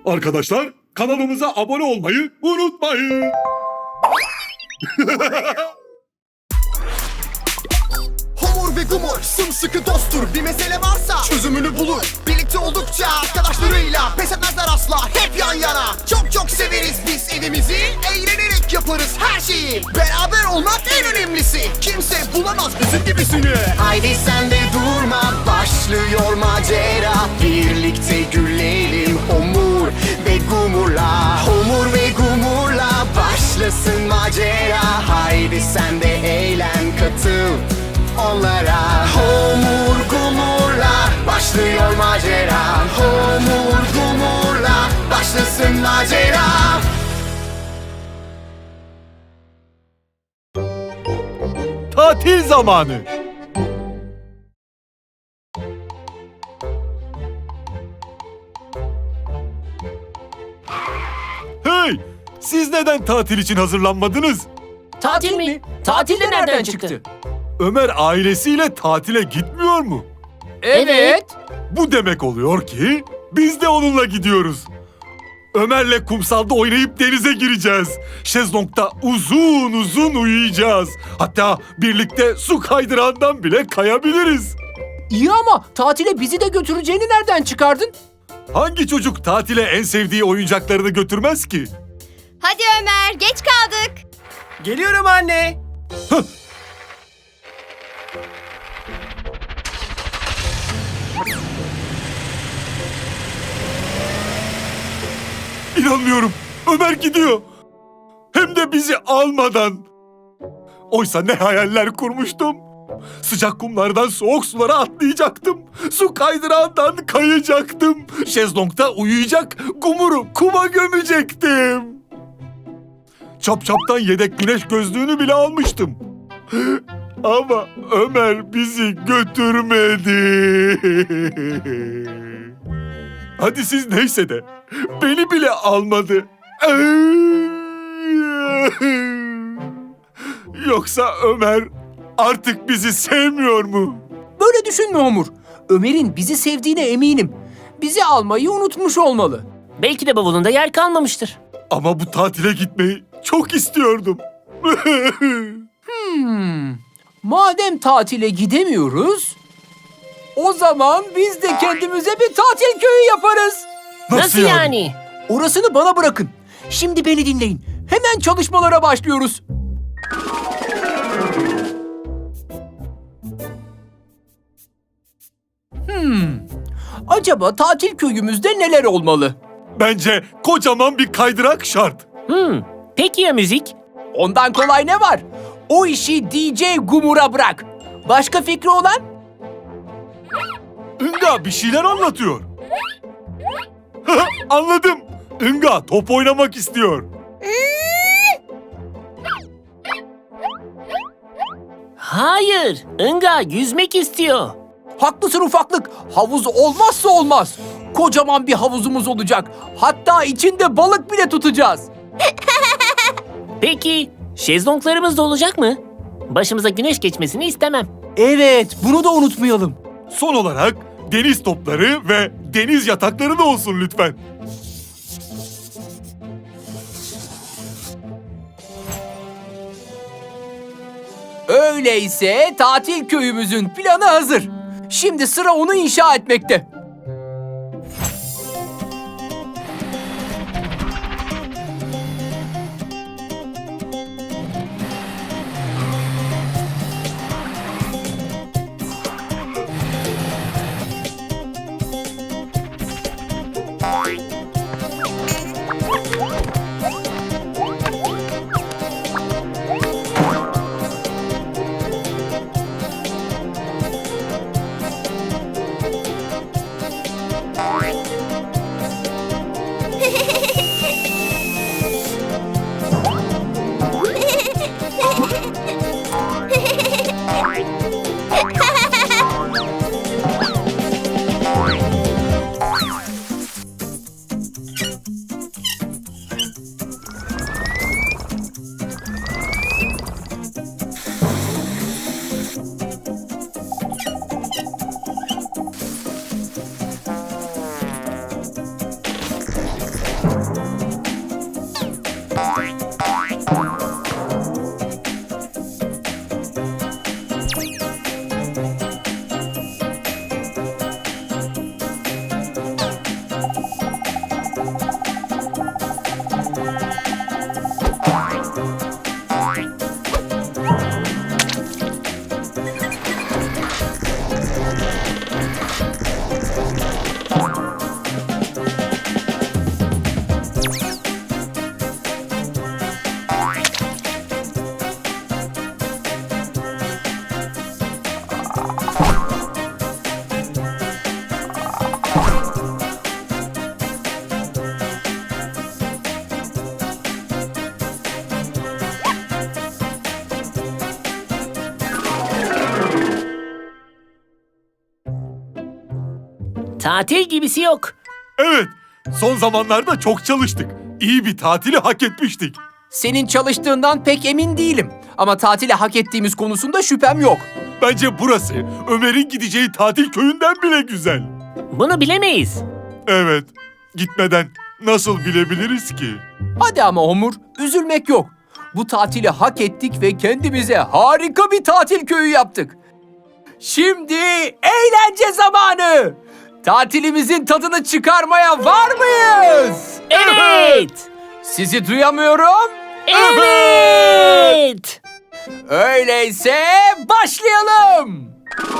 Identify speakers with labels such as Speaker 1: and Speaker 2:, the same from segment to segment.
Speaker 1: Arkadaşlar kanalımıza abone olmayı unutmayın.
Speaker 2: Homur ve Gumur sımsıkı dosttur. Bir mesele varsa çözümünü bulur. Birlikte oldukça arkadaşlarıyla pes etmezler asla, hep yan yana. Çok çok severiz biz evimizi, eğlenerek yaparız her şeyi. Beraber olmak en önemlisi, kimse bulamaz bizim gibisini. Haydi sen de durma, başlıyor macera. Birlikte gülelim Homur ve Gumur'la. Homur ve Gumur'la başlasın macera. Haydi sen de eğlen, katıl onlara. Homur Gumur'la başlıyor macera. Homur Gumur'la başlasın macera.
Speaker 3: Tatil zamanı. Hey! Siz neden tatil için hazırlanmadınız?
Speaker 4: Tatil mi? Tatil de nereden çıktı?
Speaker 3: Ömer ailesiyle tatile gitmiyor mu?
Speaker 4: Evet.
Speaker 3: Bu demek oluyor ki biz de onunla gidiyoruz. Ömer'le kumsalda oynayıp denize gireceğiz. Şezlong'da uzun uzun uyuyacağız. Hatta birlikte su kaydırağından bile kayabiliriz.
Speaker 4: İyi ama tatile bizi de götüreceğini nereden çıkardın?
Speaker 3: Hangi çocuk tatile en sevdiği oyuncaklarını götürmez ki?
Speaker 5: Hadi Ömer, geç kaldık.
Speaker 4: Geliyorum anne.
Speaker 3: İnanmıyorum. Ömer gidiyor. Hem de bizi almadan. Oysa ne hayaller kurmuştum. Sıcak kumlardan soğuk sulara atlayacaktım. Su kaydırağından kayacaktım. Şezlong'da uyuyacak, Gumur'u kuma gömecektim. Çapçaptan yedek güneş gözlüğünü bile almıştım. Ama Ömer bizi götürmedi. Hadi siz neyse de beni bile almadı. Yoksa Ömer artık bizi sevmiyor mu?
Speaker 4: Böyle düşünme Homur. Ömer'in bizi sevdiğine eminim. Bizi almayı unutmuş olmalı.
Speaker 6: Belki de bavulunda yer kalmamıştır.
Speaker 3: Ama bu tatile gitmeyi çok istiyordum.
Speaker 4: Madem tatile gidemiyoruz, o zaman biz de kendimize bir tatil köyü yaparız.
Speaker 6: Nasıl yani?
Speaker 4: Orasını bana bırakın. Şimdi beni dinleyin. Hemen çalışmalara başlıyoruz. Acaba tatil köyümüzde neler olmalı?
Speaker 3: Bence kocaman bir kaydırak şart.
Speaker 6: Peki ya müzik?
Speaker 4: Ondan kolay ne var? O işi DJ Gumur'a bırak. Başka fikri olan?
Speaker 3: Inga bir şeyler anlatıyor. Anladım. Inga top oynamak istiyor.
Speaker 6: Hayır, Inga yüzmek istiyor.
Speaker 4: Haklısın ufaklık. Havuz olmazsa olmaz. Kocaman bir havuzumuz olacak. Hatta içinde balık bile tutacağız.
Speaker 6: Peki, şezlonglarımız da olacak mı? Başımıza güneş geçmesini istemem.
Speaker 4: Evet, bunu da unutmayalım.
Speaker 3: Son olarak deniz topları ve deniz yatakları da olsun lütfen.
Speaker 4: Öyleyse tatil köyümüzün planı hazır. Şimdi sıra onu inşa etmekte.
Speaker 6: Tatil gibisi yok.
Speaker 3: Evet, son zamanlarda çok çalıştık. İyi bir tatili hak etmiştik.
Speaker 4: Senin çalıştığından pek emin değilim. Ama tatili hak ettiğimiz konusunda şüphem yok.
Speaker 3: Bence burası Ömer'in gideceği tatil köyünden bile güzel.
Speaker 6: Bunu bilemeyiz.
Speaker 3: Evet, gitmeden nasıl bilebiliriz ki?
Speaker 4: Hadi ama Homur, üzülmek yok. Bu tatili hak ettik ve kendimize harika bir tatil köyü yaptık. Şimdi eğlence zamanı. Tatilimizin tadını çıkarmaya var mıyız?
Speaker 6: Evet.
Speaker 4: Sizi duyamıyorum.
Speaker 6: Evet.
Speaker 4: Öyleyse başlayalım.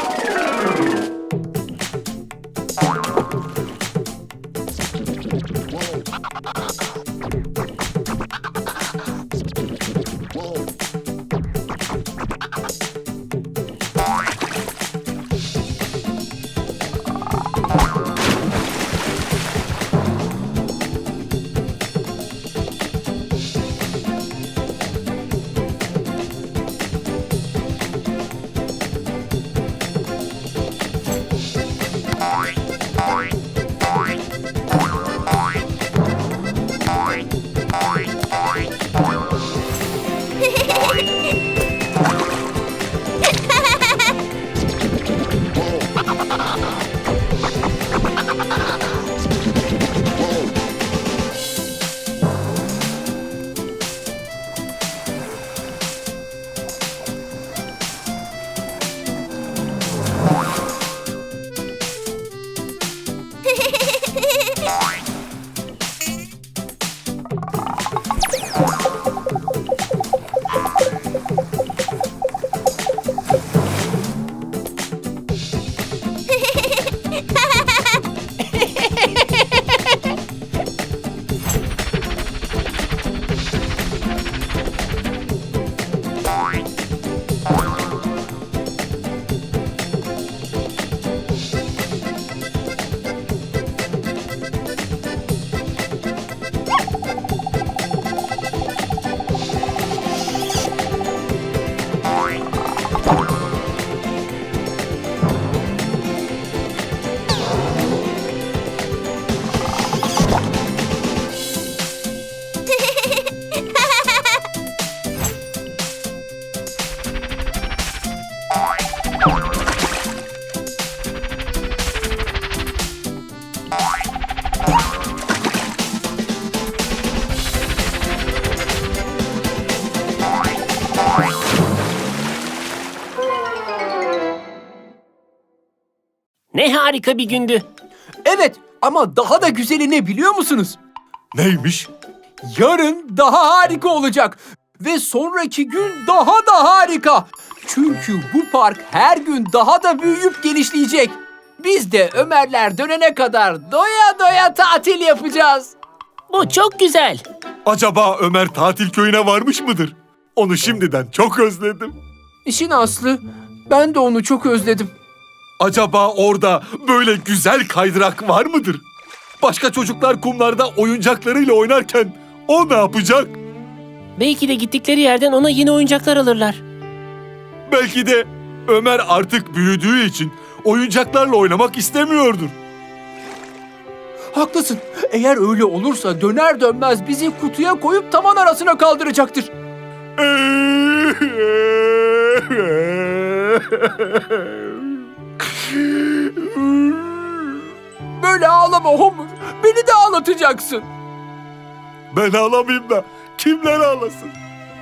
Speaker 6: Ne harika bir gündü.
Speaker 4: Evet, ama daha da güzeli ne biliyor musunuz?
Speaker 3: Neymiş?
Speaker 4: Yarın daha harika olacak. Ve sonraki gün daha da harika. Çünkü bu park her gün daha da büyüyüp genişleyecek. Biz de Ömerler dönene kadar doya doya tatil yapacağız.
Speaker 6: Bu çok güzel.
Speaker 3: Acaba Ömer tatil köyüne varmış mıdır? Onu şimdiden çok özledim.
Speaker 4: İşin aslı, ben de onu çok özledim.
Speaker 3: Acaba orada böyle güzel kaydırak var mıdır? Başka çocuklar kumlarda oyuncaklarıyla oynarken o ne yapacak?
Speaker 6: Belki de gittikleri yerden ona yeni oyuncaklar alırlar.
Speaker 3: Belki de Ömer artık büyüdüğü için oyuncaklarla oynamak istemiyordur.
Speaker 4: Haklısın. Eğer öyle olursa döner dönmez bizi kutuya koyup tavan arasına kaldıracaktır. Böyle ağlama Homur. Beni de ağlatacaksın.
Speaker 3: Ben ağlamayayım da kimler ağlasın?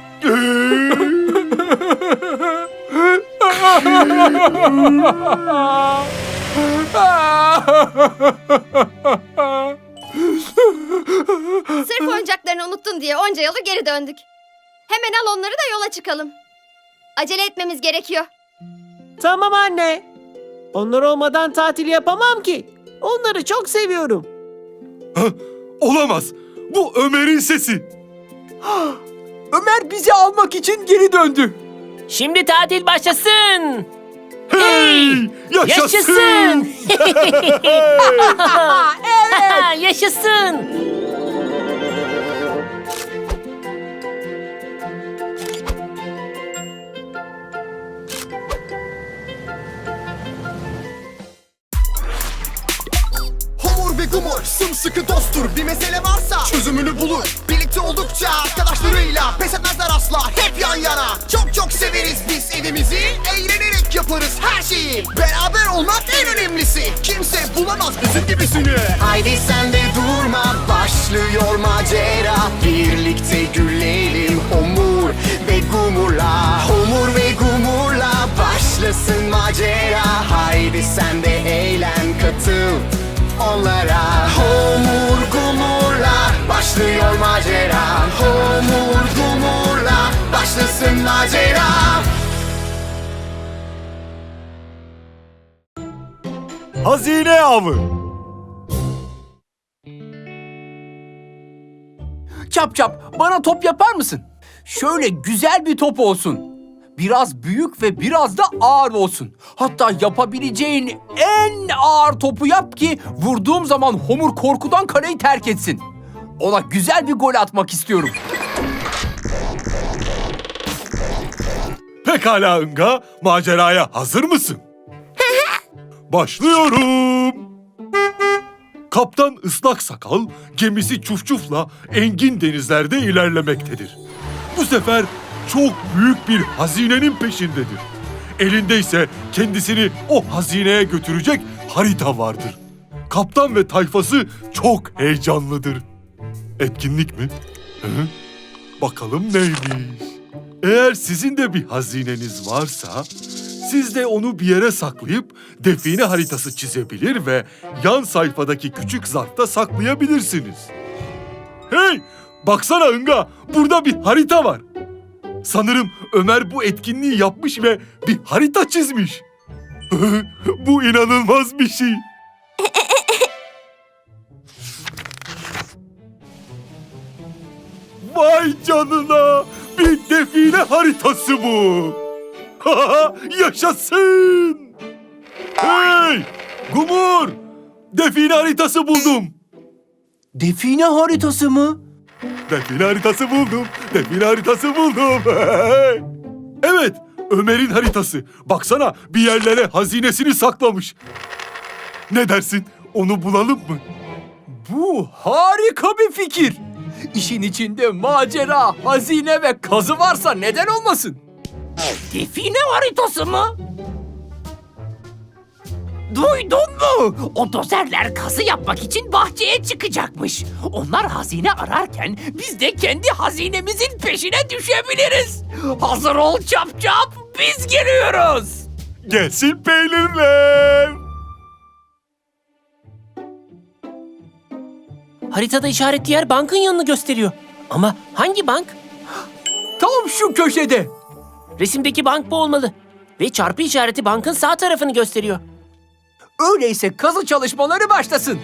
Speaker 5: Sırf oyuncaklarını unuttun diye onca yolu geri döndük. Hemen al onları da yola çıkalım. Acele etmemiz gerekiyor.
Speaker 7: Tamam anne. Onlar olmadan tatil yapamam ki. Onları çok seviyorum.
Speaker 3: Olamaz. Bu Ömer'in sesi.
Speaker 4: Ömer bizi almak için geri döndü.
Speaker 6: Şimdi tatil başlasın.
Speaker 3: Hey! Yaşasın!
Speaker 6: Yaşasın.
Speaker 2: sımsıkı dosttur. Bir mesele varsa çözümünü bulur. Birlikte oldukça arkadaşlarıyla pes etmezler asla, hep yan yana. Çok çok severiz biz evimizi, eğlenerek yaparız her şeyi. Beraber olmak en önemlisi, kimse bulamaz bizim gibisini. Haydi sen de durma, başlıyor macera. Birlikte gülelim Homur ve Gumur'la. Homur ve Gumur'la başlasın macera. Haydi sen de eğlen, katıl onlara. Homur Gumur'la başlıyor macera. Homur Gumur'la başlasın macera.
Speaker 3: Hazine avı.
Speaker 4: Çap Çap, bana top yapar mısın? Şöyle güzel bir top olsun. Biraz büyük ve biraz da ağır olsun. Hatta yapabileceğin en ağır topu yap ki vurduğum zaman Homur korkudan kaleyi terk etsin. Ona güzel bir gol atmak istiyorum.
Speaker 3: Pekala Inga, maceraya hazır mısın? Başlıyorum. Kaptan Islak Sakal gemisi Çufçuf'la engin denizlerde ilerlemektedir. Bu sefer çok büyük bir hazinenin peşindedir. Elinde ise kendisini o hazineye götürecek harita vardır. Kaptan ve tayfası çok heyecanlıdır. Etkinlik mi? Hı? Bakalım neymiş? Eğer sizin de bir hazineniz varsa, siz de onu bir yere saklayıp define haritası çizebilir ve yan sayfadaki küçük zarfta saklayabilirsiniz. Hey! Baksana Inga, burada bir harita var. Sanırım Ömer bu etkinliği yapmış ve bir harita çizmiş. Bu inanılmaz bir şey. Vay canına! Bir define haritası bu. Yaşasın! Hey! Gumur! Define haritası buldum.
Speaker 4: Define haritası mı?
Speaker 3: Define haritası buldum. Define haritası buldum. Evet, Ömer'in haritası. Baksana, bir yerlere hazinesini saklamış. Ne dersin? Onu bulalım mı?
Speaker 4: Bu harika bir fikir. İşin içinde macera, hazine ve kazı varsa neden olmasın?
Speaker 8: Define haritası mı? Duydun mu? O dozerler kazı yapmak için bahçeye çıkacakmış. Onlar hazine ararken biz de kendi hazinemizin peşine düşebiliriz. Hazır ol Çap Çap, biz geliyoruz.
Speaker 3: Gelsin peynirler.
Speaker 6: Haritada işaretli yer bankın yanını gösteriyor. Ama hangi bank?
Speaker 4: Tam şu köşede.
Speaker 6: Resimdeki bank bu olmalı. Ve çarpı işareti bankın sağ tarafını gösteriyor.
Speaker 4: Öyleyse kazı çalışmaları başlasın.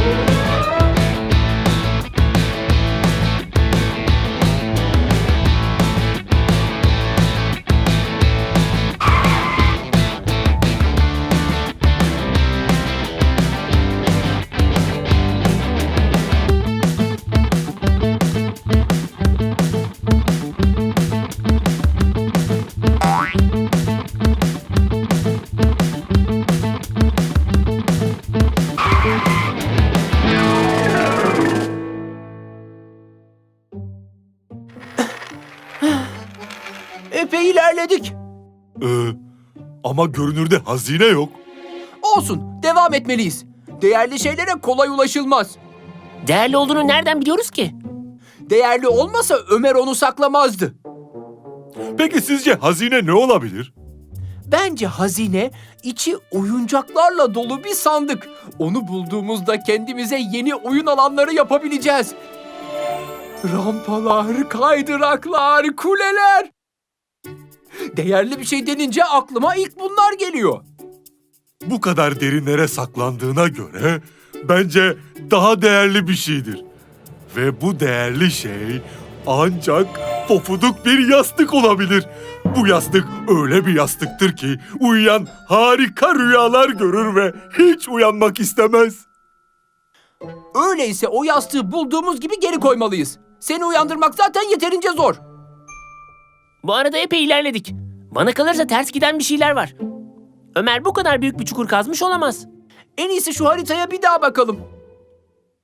Speaker 4: Epey ilerledik.
Speaker 3: Ama görünürde hazine yok.
Speaker 4: Olsun, devam etmeliyiz. Değerli şeylere kolay ulaşılmaz.
Speaker 6: Değerli olduğunu nereden biliyoruz ki?
Speaker 4: Değerli olmasa Ömer onu saklamazdı.
Speaker 3: Peki sizce hazine ne olabilir?
Speaker 4: Bence hazine içi oyuncaklarla dolu bir sandık. Onu bulduğumuzda kendimize yeni oyun alanları yapabileceğiz. Rampalar, kaydıraklar, kuleler. Değerli bir şey denince aklıma ilk bunlar geliyor.
Speaker 3: Bu kadar derinlere saklandığına göre bence daha değerli bir şeydir. Ve bu değerli şey ancak pofuduk bir yastık olabilir. Bu yastık öyle bir yastıktır ki uyuyan harika rüyalar görür ve hiç uyanmak istemez.
Speaker 4: Öyleyse o yastığı bulduğumuz gibi geri koymalıyız. Seni uyandırmak zaten yeterince zor.
Speaker 6: Bu arada epey ilerledik. Bana kalırsa ters giden bir şeyler var. Ömer bu kadar büyük bir çukur kazmış olamaz.
Speaker 4: En iyisi şu haritaya bir daha bakalım.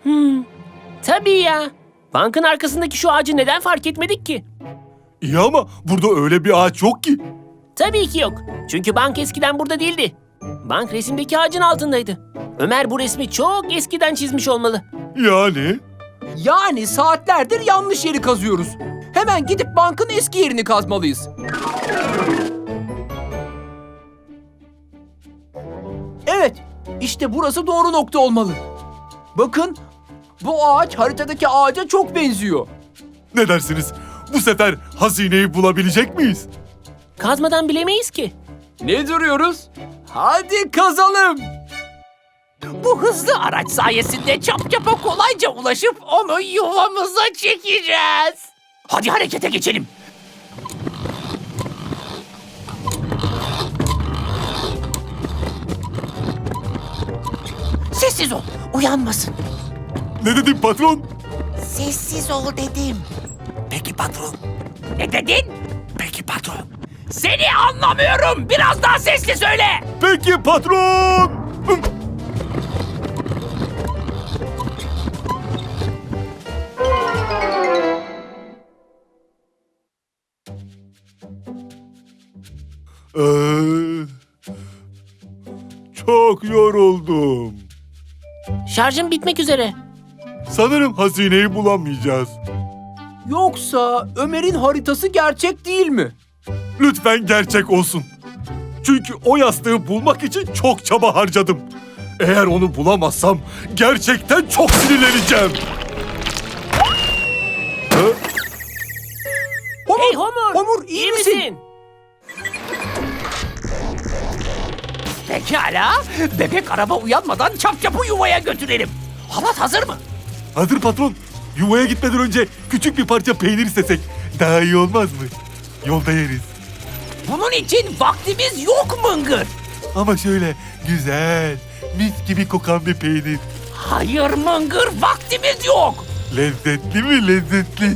Speaker 6: Tabii ya. Bankın arkasındaki şu ağacı neden fark etmedik ki?
Speaker 3: İyi ama burada öyle bir ağaç yok ki.
Speaker 6: Tabii ki yok. Çünkü bank eskiden burada değildi. Bank resimdeki ağacın altındaydı. Ömer bu resmi çok eskiden çizmiş olmalı.
Speaker 3: Yani?
Speaker 4: Yani saatlerdir yanlış yeri kazıyoruz. Hemen gidip bankın eski yerini kazmalıyız. Evet, işte burası doğru nokta olmalı. Bakın, bu ağaç haritadaki ağaca çok benziyor.
Speaker 3: Ne dersiniz? Bu sefer hazineyi bulabilecek miyiz?
Speaker 6: Kazmadan bilemeyiz ki.
Speaker 4: Ne duruyoruz? Hadi kazalım.
Speaker 8: Bu hızlı araç sayesinde Çapçap'a kolayca ulaşıp onu yuvamıza çekeceğiz. Hadi harekete geçelim. Sessiz ol, uyanmasın.
Speaker 3: Ne dedin patron?
Speaker 8: Sessiz ol dedim. Peki patron. Ne dedin? Peki patron. Seni anlamıyorum. Biraz daha sesli söyle.
Speaker 3: Peki patron. Çok yoruldum.
Speaker 6: Şarjım bitmek üzere.
Speaker 3: Sanırım hazineyi bulamayacağız.
Speaker 4: Yoksa Ömer'in haritası gerçek değil mi?
Speaker 3: Lütfen gerçek olsun. Çünkü o yastığı bulmak için çok çaba harcadım. Eğer onu bulamazsam gerçekten çok sinirleneceğim.
Speaker 6: Hey Homur!
Speaker 4: Homur, iyi misin?
Speaker 8: Pekala. Bebek araba uyanmadan Çapçap'ı yuvaya götürelim. Halat hazır mı?
Speaker 3: Hazır patron. Yuvaya gitmeden önce küçük bir parça peynir istesek daha iyi olmaz mı? Yolda yeriz.
Speaker 8: Bunun için vaktimiz yok Mıngır.
Speaker 3: Ama şöyle güzel, mis gibi kokan bir peynir.
Speaker 8: Hayır Mıngır, vaktimiz yok.
Speaker 3: Lezzetli mi lezzetli?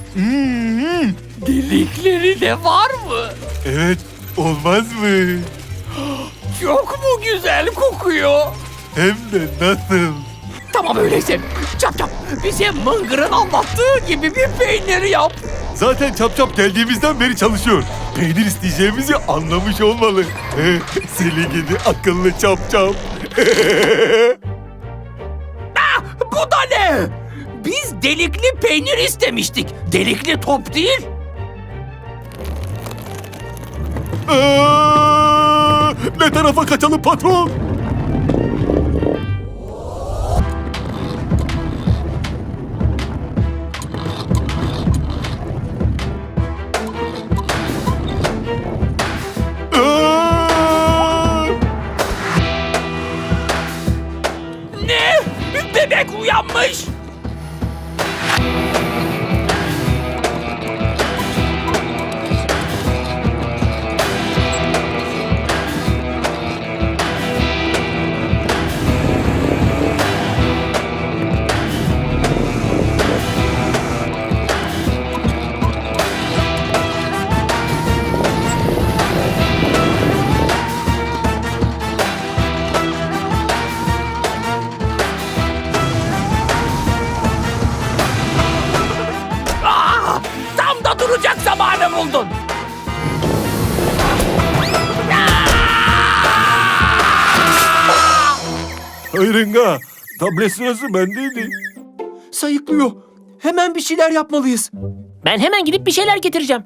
Speaker 8: Delikleri de var mı?
Speaker 3: Evet, olmaz mı?
Speaker 8: Çok mu güzel kokuyor?
Speaker 3: Hem de nasıl?
Speaker 8: Tamam öyleyse. Çap bize Mıngır'ın anlattığı gibi bir peynir yap.
Speaker 3: Zaten Çap geldiğimizden beri çalışıyor. Peynir isteyeceğimizi anlamış olmalı. Seni gidi akıllı Çap.
Speaker 8: Bu da ne? Biz delikli peynir istemiştik. Delikli top değil.
Speaker 3: Ne tarafa kaçalım patron?
Speaker 8: Ne? Bebek uyanmış. Tam da duracak zamanı buldun.
Speaker 3: Hayırınga, tablet sırası bendeydi.
Speaker 4: Sayıklıyor. Hemen bir şeyler yapmalıyız.
Speaker 6: Ben hemen gidip bir şeyler getireceğim.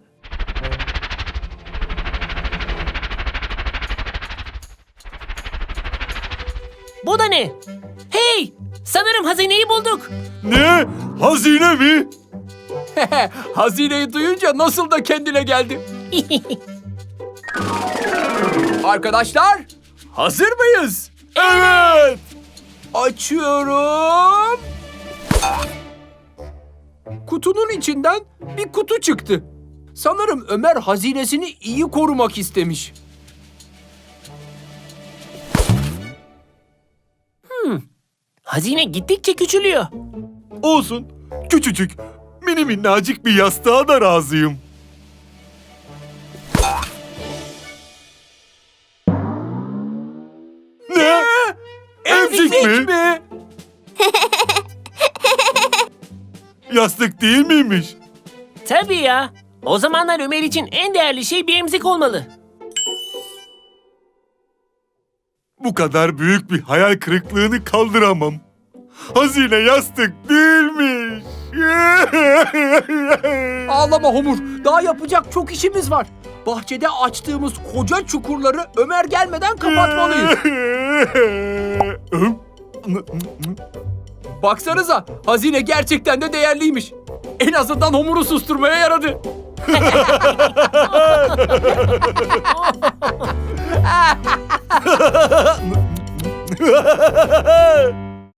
Speaker 6: Bu da ne? Hey! Sanırım hazineyi bulduk.
Speaker 3: Ne? Hazine mi?
Speaker 4: Hazineyi duyunca nasıl da kendine geldi. Arkadaşlar, hazır mıyız?
Speaker 3: Evet.
Speaker 4: Açıyorum. Kutunun içinden bir kutu çıktı. Sanırım Ömer hazinesini iyi korumak istemiş.
Speaker 6: Hazine gittikçe küçülüyor.
Speaker 3: Olsun. Küçücük, mini minnacık bir yastığa da razıyım. Ne? Emzik mi? Yastık değil miymiş?
Speaker 6: Tabii ya. O zamanlar Ömer için en değerli şey bir emzik olmalı.
Speaker 3: Bu kadar büyük bir hayal kırıklığını kaldıramam. Hazine yastık değilmiş.
Speaker 4: Ağlama Homur. Daha yapacak çok işimiz var. Bahçede açtığımız koca çukurları Ömer gelmeden kapatmalıyız. Baksanıza, hazine gerçekten de değerliymiş. En azından Homur'u susturmaya yaradı.